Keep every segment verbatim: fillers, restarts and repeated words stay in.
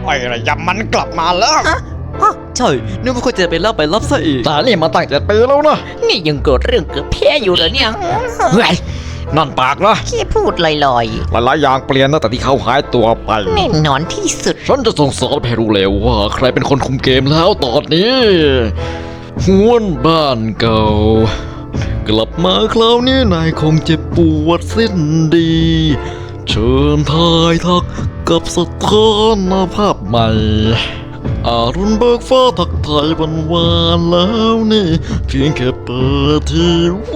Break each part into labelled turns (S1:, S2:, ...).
S1: ไอ้ระยำมันกลับมาแล้ว
S2: ใช่นึกว่าคุณจะไปรับไปรับซะอีก
S1: แต่นี่มาตั้งเจ็ดปีแล้วนะ
S3: นี่ยังเกิดเรื่องเกือบแพ้อยู่เหรอเนี่ย
S1: เฮ้ยนั่นปากนะ
S3: แค่พูดลอย
S1: หลายๆอย่างเปลี่ยนตั้งแต่ที่เขาหายตัวไป
S3: ๆแน่นอนที่สุด
S1: ฉันจะส่งสอนให้รู้เลยว่าใครเป็นคนคุมเกมแล้วตอนนี้หวนบ้านเก่า กลับมาคราวนี้นายคงเจ็บปวดสิ้นดี เชิญทายทักกับสถานภาพใหม่ อารุณเบิกฟ้าทักทายวันวานแล้วนี่ เพียงแค่เปิดทีวี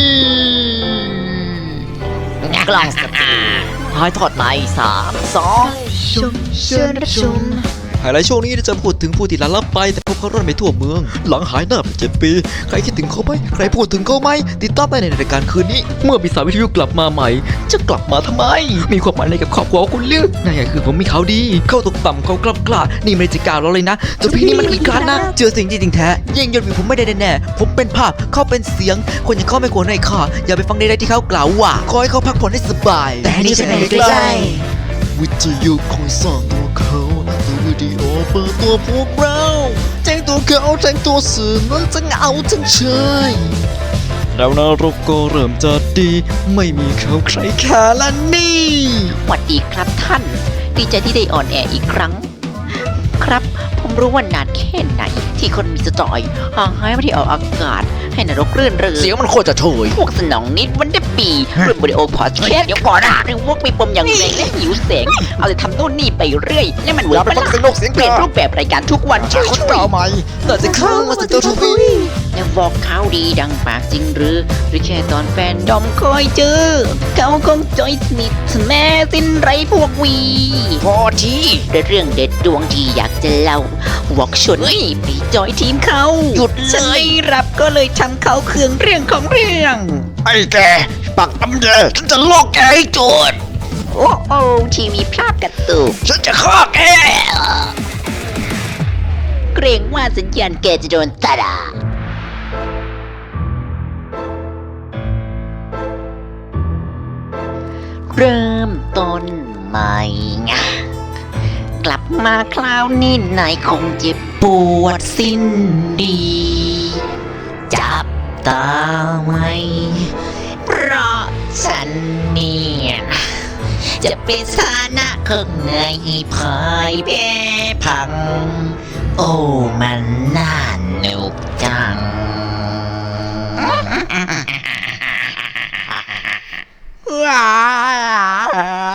S3: กลางสตรีทายทอดในสามสองชมเชิญรับชม
S2: ไฮไลท์ช่วงนี้จะพูดถึงผู้ที่ลาลับไปแต่พวกเขาร่อนไปทั่วเมือง หลังหายหน้าไปเจ็ดปี ใครคิดถึงเขาไหมใครพูดถึงเขาไหมติดตามได้ในรายการคืนนี้ เมื่อปีศาจวิทยุกลับมาใหม่ จะกลับมาทำไม มีความหมายอะไรกับครอบครัวของคุณเลือกนั่นไงคือผมมีข่าวดี เข้าตกต่ำเขากลับกล้านี่ไม่ได้จะกล่าวเราเลยนะจนพี่นี้มันอีกครั้งนะเจอสิ่งจริงแท้ยิ่งยศวิวผมไม่ได้แน่ๆผมเป็นภาพเขาเป็นเสียง คนอย่างเขาไม่ควรให้ค่าอย่าไปฟังใดๆที่เขากล่าวว่าขอให้เขาพักผ่อนให้สบาย
S3: แต่นี่ฉันไม่ใกล้
S2: วิทยุคอยสร้างตัวเขาตัววิดีโอเปิดตัวพวกเราแจ้งตัวเขาแจ้งตัวสื่อนั้นทั้งเอาทั้งเชยแล้วนรกก็เริ่มจะดี ไม่มีเขาใครแค่ละนี่
S3: สวัสดีครับท่าน ดีใจที่ได้ออนแอร์อีกครั้ง ครับ ผมรู้ว่านานแค่ไหน ที่คนมีสจอยห่างหายไม่ได้ออกอากาศ ให้นรกรื่นเริง
S2: เสียงมันโคตรจะโชย
S3: พวกสนองนิดวันเดปีเรื่องวิดีโอพอดแคสต์เดี๋ยวก่อนนะเรื่องพวกมีปมอย่างแรงและหิวแสง เอาแต่ทำโน่นนี่ไปเรื่อย และมันเวิร์ก
S1: อย่าไปฟังเสียงนกเสียง
S3: เปลี่ยน
S1: กา
S3: รูปแบบรายการทุกวันช่วย
S1: คน
S3: ช่วย
S1: เก่าใหม่
S2: แต่จะเข้ามาสตูดิโอ
S3: แล้วบอกเขาดีดังปากจริงหรือ หรือแค่ตอนแฟนดอมคอยเจอ เขาคงจอยสนิทแม่สิ้นไรพวกวี
S1: พอที
S3: ด้วยเรื่องเด็ดดวงที่อยากจะเล่าวอกชวนให้ไปจอยทีมเขา
S1: หยุดเลย
S3: ฉันไม่รับก็เลยทำเขาเคืองเรื่องของเรื่อง
S1: ไอ้แกปักตำแยฉันจะลอกแกให้โจด
S3: โอ้โอ้ทีวีพลาดกระตุก
S1: ฉันจะฆ่าแก
S3: เกรงว่าสัญญาณแกจะโดนตัดอ่ะเริ่มต้นใหม่ไงกลับมาคราวนี้นายคงเจ็บปวดสิ้นดี จับตาไว้เพราะฉันเนี่ยจะเป็นสานะข้างในพายแพ้พัง โอ้มันน่าหนุกจัง
S1: ว้า